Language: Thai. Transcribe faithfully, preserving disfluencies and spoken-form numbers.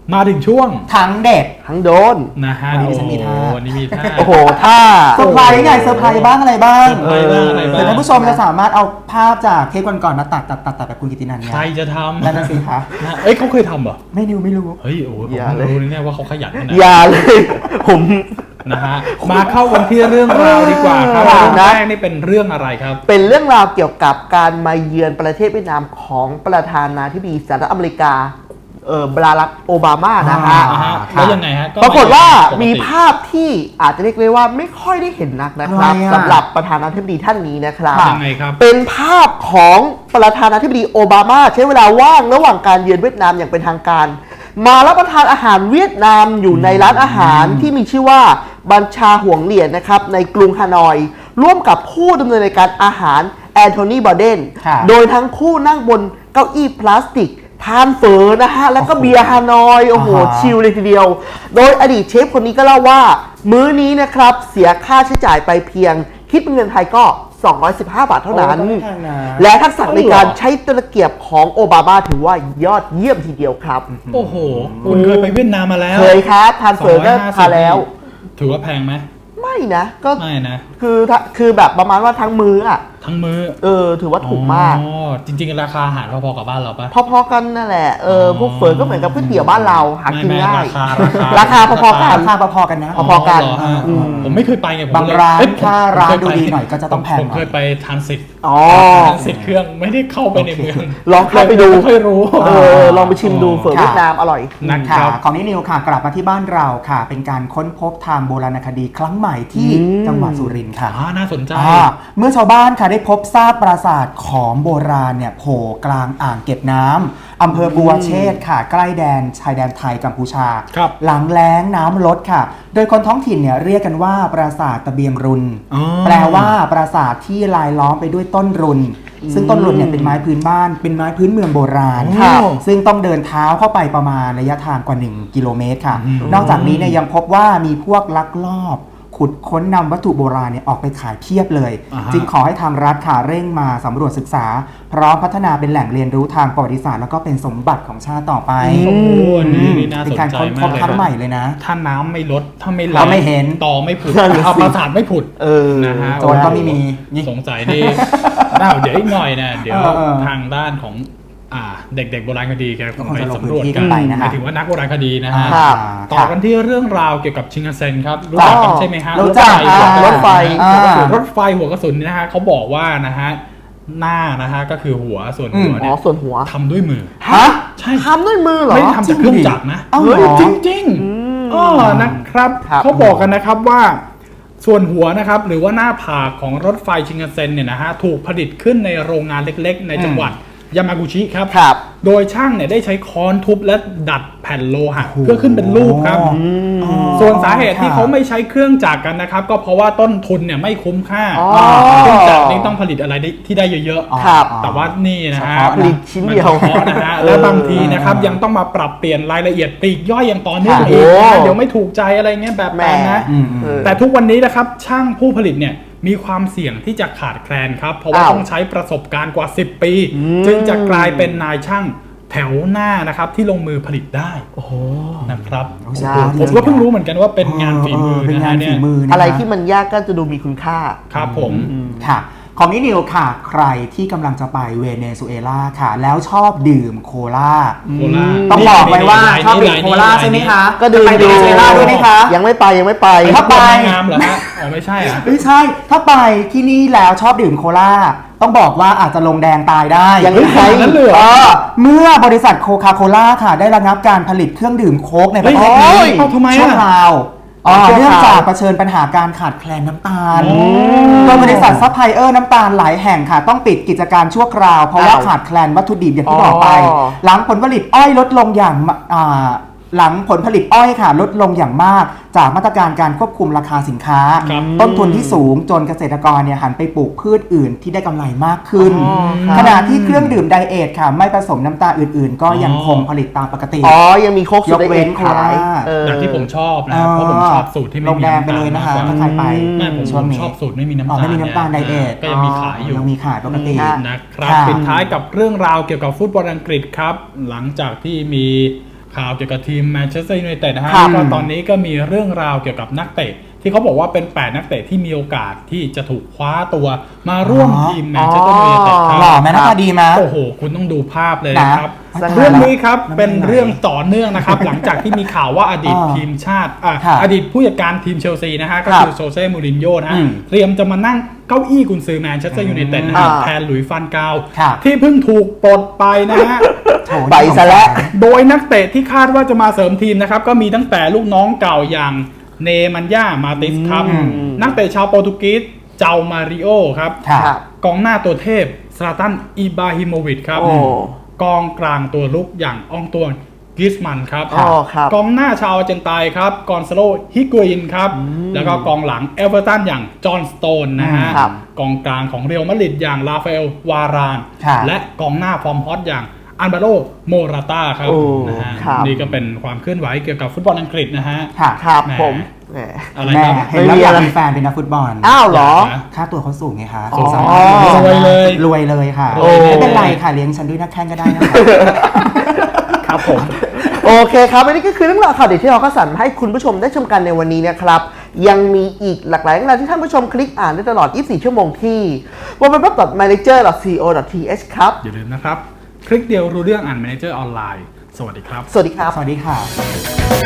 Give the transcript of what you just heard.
มาถึงช่วงทั้งเด็ดทั้งโดนนะฮะวันนี้ฉันมีท่าวันนี้มีท่าโอ้โหท่าเซอร์ไพรส์ไงเซอร์ไพรส์บ้างอะไรบ้างเอออะไรบ้างแต่ท่านผู้ชมจะสามารถเอาภาพจากเทปก่อนๆมาตัดตัดตัดตัดแบบคุณกิตินันเนี่ยใครจะทำนั่นน่ะสิคะเอ้ยเขาเคยทำเหรอไม่รู้ไม่รู้เฮ้ยโอ้ผมรู้แน่ว่าเขาขยันนะอย่าเลยผมนะฮะมาเข้ากันที่เรื่องราวดีกว่าครับเรื่องแรกนี่เป็นเรื่องอะไรครับเป็นเรื่องราวเกี่ยวกับการมาเยือนประเทศเวียดนามของประธานาธิบดีสหรัฐอเมริกาเออบารักโอบามานะฮะแล้วยังไงฮะปรากฏว่ามีภาพที่อาจจะเรียกได้ว่าไม่ค่อยได้เห็นนักนะครับสำหรับประธานาธิบดีท่านนี้นะครับยังไงครับเป็นภาพของประธานาธิบดีโอบามาใช้เวลาว่างระหว่างการเยือนเวียดนามอย่างเป็นทางการมารับประทานอาหารเวียดนามอยู่ในร้านอาหารที่มีชื่อว่าบัญชาห่วงเหรียญนะครับในกรุงฮานอยร่วมกับผู้ดำเนินรายการอาหารแอนโทนีบอเดนโดยทั้งคู่นั่งบนเก้าอี้พลาสติกทานเฝอนะฮะแล้วก็เบียร์ฮานอยโอ้โหชิลเลยทีเดียวโดยอดีตเชฟคนนี้ก็เล่าว่ามื้อนี้นะครับเสียค่าใช้จ่ายไปเพียงคิดเป็นเงินไทยก็สองร้อยสิบห้าบาทเท่านั้นและทักษะในการใช้ตะเกียบของโอบามาถือว่ายอดเยี่ยมทีเดียวครับโอ้โหคุณเคยไปเวียดนามมาแล้วเคยครับทานเฝอก็ทานแล้วถือว่าแพงไหมไม่นะก็ไม่นะคือคือแบบประมาณว่าทั้งมื้ออ่ะทั้งมื้อเออถือว่าถูกมากอ๋อจริงๆราคาอาหารพอๆกับบ้านเราปะพอๆกันนั่นแหละเออพวกเฝอก็เหมือนกับก๋วยเตี๋ยวบ้านเราหากินง่ายราคาราคาพอๆกันราคาพอๆกันนะพอๆกันผมไม่เคยไปไงบางร้านถ้าร้านดูดีหน่อยก็จะต้องแพงผมเคยไปทานสิทธิ์อ๋อทานสิทธิ์เครื่องไม่ได้เข้าไปในเมืองลองเข้าไปดูค่อยรู้เออลองไปชิมดูเฝอเวียดนามอร่อยนะครับของนิวค่ะกลับมาที่บ้านเราค่ะเป็นการค้นพบทางโบราณคดีครั้งใหม่ที่จังหวัดสุรินทร์ค่ะน่าสนใจเมื่อชาวบ้านค่ะได้พบซากปราสาทของโบราณเนี่ยโผล่กลางอ่างเก็บน้ำอำเภอบัวเชษค่ะใกล้แดนชายแดนไทยกัมพูชาหลังแล้งน้ำลดค่ะโดยคนท้องถิ่นเนี่ยเรียกกันว่าปราสาทตะเบียงรุนแปลว่าปราสาทที่ลายล้อมไปด้วยต้นรุนซึ่งต้นรุนเนี่ยเป็นไม้พื้นบ้านเป็นไม้พื้นเมืองโบราณค่ะซึ่งต้องเดินเท้าเข้าไปประมาณระยะทางกว่าหนึ่งกิโลเมตรค่ะนอกจากนี้เนี่ยยังพบว่ามีพวกลักลอบขุดค้นนำวัตถุโบราณเนี่ยออกไปขายเพียบเลยจึงขอให้ทางรัฐค่ะเร่งมาสำรวจศึกษาพร้อมพัฒนาเป็นแหล่งเรียนรู้ทางประวัติศาสตร์แล้วก็เป็นสมบัติของชาติต่อไปโอ้โหนี่น่าสนใจมากเลยครั้งใหม่เลยนะถ้าน้ำไม่ลดถ้าไม่เราไม่เห็นต่อไม่ผุดเอาปราสาทไม่ผุดนะฮะโจรก็ไม่มีสงสัยดีเดี๋ยวอีกหน่อยนะเดี๋ยวทางด้านของเด็กๆโบราณคดีกันไปสำรวจกันหมายถึงว่านักโบราณคดีนะฮะต่อกันที่เรื่องราวเกี่ยวกับชิงคันเซ็นครับรู้จักกันใช่ไหมฮะรถไฟรถไฟรถไฟหัวกระสุนนะฮะเขาบอกว่านะฮะหน้านะฮะก็คือหัวส่วนหัวเนี่ยส่วนหัวทำด้วยมือฮะใช่ทำด้วยมือเหรอไม่ทำจากเครื่องจักรนะจริงจริงอ๋อนะครับเขาบอกกันนะครับว่าส่วนหัวนะครับหรือว่าหน้าผากของรถไฟชิงคันเซ็นเนี่ยนะฮะถูกผลิตขึ้นในโรงงานเล็กๆในจังหวัดยามากุชิครับโดยช่างเนี่ยได้ใช้ค้อนทุบและดัดแผ่นโลหะเพื่อขึ้นเป็นรูปครับส่วนสาเหตุที่เขาไม่ใช้เครื่องจักรกันนะครับก็เพราะว่าต้นทุนเนี่ยไม่คุ้มค่าเครื่องจักรนี่ต้องผลิตอะไรที่ได้เยอะๆแต่ว่านี่นะฮะผลิตชิ้นเดียวนะฮะและบางทีนะครับยังต้องมาปรับเปลี่ยนรายละเอียดปลีกย่อยอย่างต่อเนื่องอีกเดี๋ยวไม่ถูกใจอะไรเงี้ยแบบนั้นนะแต่ทุกวันนี้นะครับช่างผู้ผลิตเนี่ยมีความเสี่ยงที่จะขาดแคลนครับเพราะว่าต้องใช้ประสบการณ์กว่าสิบปีจึงจะกลายเป็นนายช่างแถวหน้านะครับที่ลงมือผลิตได้โอ้โหนะครับผมก็เพิ่งรู้เหมือนกันว่าเป็นงานฝีมือนะฮะเนี่ยอะไรที่มันยากก็จะดูมีคุณค่าครับผมค่ะของนิวค่ะใครที่กำลังจะไปเวเนซุเอลาค่ะแล้วชอบดื่มโคลาต้องบอกไว้ว่าชอบดื่มโคลาใช่ไหมคะก็ดื่มเวเนซุเอลาด้วยไหมคะยังไม่ไปยังไม่ไปถ้าไปงามเหรอฮะอ๋อไม่ใช่อ่ะไม่ใช่ถ้าไปที่นี่แล้วชอบดื่มโคลาต้องบอกว่าอาจจะลงแดงตายได้ยังไม่ใช่นั่นเลยเมื่อบริษัทโคคาโคล่าค่ะได้ระงับการผลิตเครื่องดื่มโค้กในประเทศนี้ชั่วคราวเนื่องจากเผชิญปัญหาการขาดแคลนน้ำตาลโดยบริษัทซัพพลายเออร์น้ำตาลหลายแห่งค่ะต้องปิดกิจการชั่วคราวเพราะว่าขาดแคลนวัตถุดิบอย่างที่บอกไปหลังผลผลิตอ้อยลดลงอย่างหลังผลผลิตอ้อยค่ะลดลงอย่างมากจากมาตรการการควบคุมราคาสินค้าต้นทุนที่สูงจนเกษตรกรเนี่ยหันไปปลูกพืชอื่นที่ได้กำไรมากขึ้นขณะที่เครื่องดื่มไดเอทค่ะไม่ผสมน้ำตาลอื่นๆก็ยังคงผลิตตามปกติอ๋อยังมีโค้กยกเว้นขายอย่างที่ผมชอบนะเพราะผมชอบสูตรที่ไม่มีน้ำตาลไปเลยนะคะถ้าใครไปช่วงนี้ชอบสูตรไม่มีน้ำตาลไม่มีน้ำตาลไดเอทก็ยังมีขายอยู่ยังมีขายปกตินะครับปิดท้ายกับเรื่องราวเกี่ยวกับฟุตบอลอังกฤษครับหลังจากที่มีข่าวเกี่ยวกับทีมแมนเชสเตอร์ยูไนเต็ดนะฮะครับก็ตอนนี้ก็มีเรื่องราวเกี่ยวกับนักเตะที่เขาบอกว่าเป็นแปดนักเตะที่มีโอกาสที่จะถูกคว้าตัวมาร่วมอ๋อทีมแมนเชสเตอร์ยูไนเต็ดครัหล่อไหมบหน้าตาดีไหมโอ้โหคุณต้องดูภาพเลยนะครับนะเรื่องนี้ครับน้ำลายเป็นเรื่องต่อเนื่องนะครับ หลังจากที่มีข่าวว่าอดีตอ่าทีมชาติอ่ะค่ะอดีตผู้จัดการทีมเชลซีนะฮะก็ครับคือโซเซ่มูรินโญ่นะฮะอืมเตรียมจะมานั่งเก้าอี้กุนซือแมนเชสเตอร์ยูไนเต็ดนะฮะอ่าแทนหลุยส์ฟันกาวค่ะที่เพิ่งถูกปลดไปนะฮะโถไปซะแล้วโดยนักเตะที่คาดว่าจะมาเสริมทีมนะครับ ก็มีตั้งแต่ลูกน้องเก่าอย่างเนมันย่ามาติสครับอืมนักเตะชาวโปรตุเกสเจ้ามาริโอครับค่ะครับกองหน้าตัวเทพซลาตันอิบราฮิโมวิชครับโอ้กองกลางตัวลุกอย่างอองตวนกิสมันครับอ๋อครับกองหน้าชาวอาร์เจนไตน์ครับกอนซาโลฮิกวินครับ แล้วก็กองหลังเอเวอร์ตันอย่างจอห์นสโตนนะฮะครับกองกลางของเรอัลมาดริดอย่างราฟาเอลวารานค่ะและกองหน้าฟอร์มฮอตอย่างอันบาโลโมราตาครับโอ้นะฮะครับนี่ก็เป็นความเคลื่อนไหวเกี่ยวกับฟุตบอลอังกฤษนะฮะค่ะครับแหมผมแหมอะไรแม่ครับเห็นแล้วไม่มีอยากอะไรมีแฟนเป็นนักฟุตบอลอ้าวเหรอค่าตัวเขาสูงไงคะอ๋อสามารถรวยเลยรวยเลยค่ะโอ้ไม่เป็นไรค่ะเลี้ยงฉันด้วยนักแข่งก็ได้นะคะครับผมโอเคครับอันนี้ก็คือเรื่องราวข่าวเด็ดที่เราคัดสรรมาให้คุณผู้ชมได้ชมกันในวันนี้นะครับ ยังมีอีกหลากหลายเรื่องราวที่ท่านผู้ชมคลิกอ่านได้ตลอด ยี่สิบสี่ ชั่วโมงที่ ดับเบิลยู ดับเบิลยู ดับเบิลยู ดอท มานเจอร์ ดอท ซี โอ ดอท ที เอช ครับอย่าลืมนะครับ คลิกเดียวรู้เรื่องอ่าน Manager ออนไลน์ สวัสดีครับสวัสดีครับสวัสดีค่ะ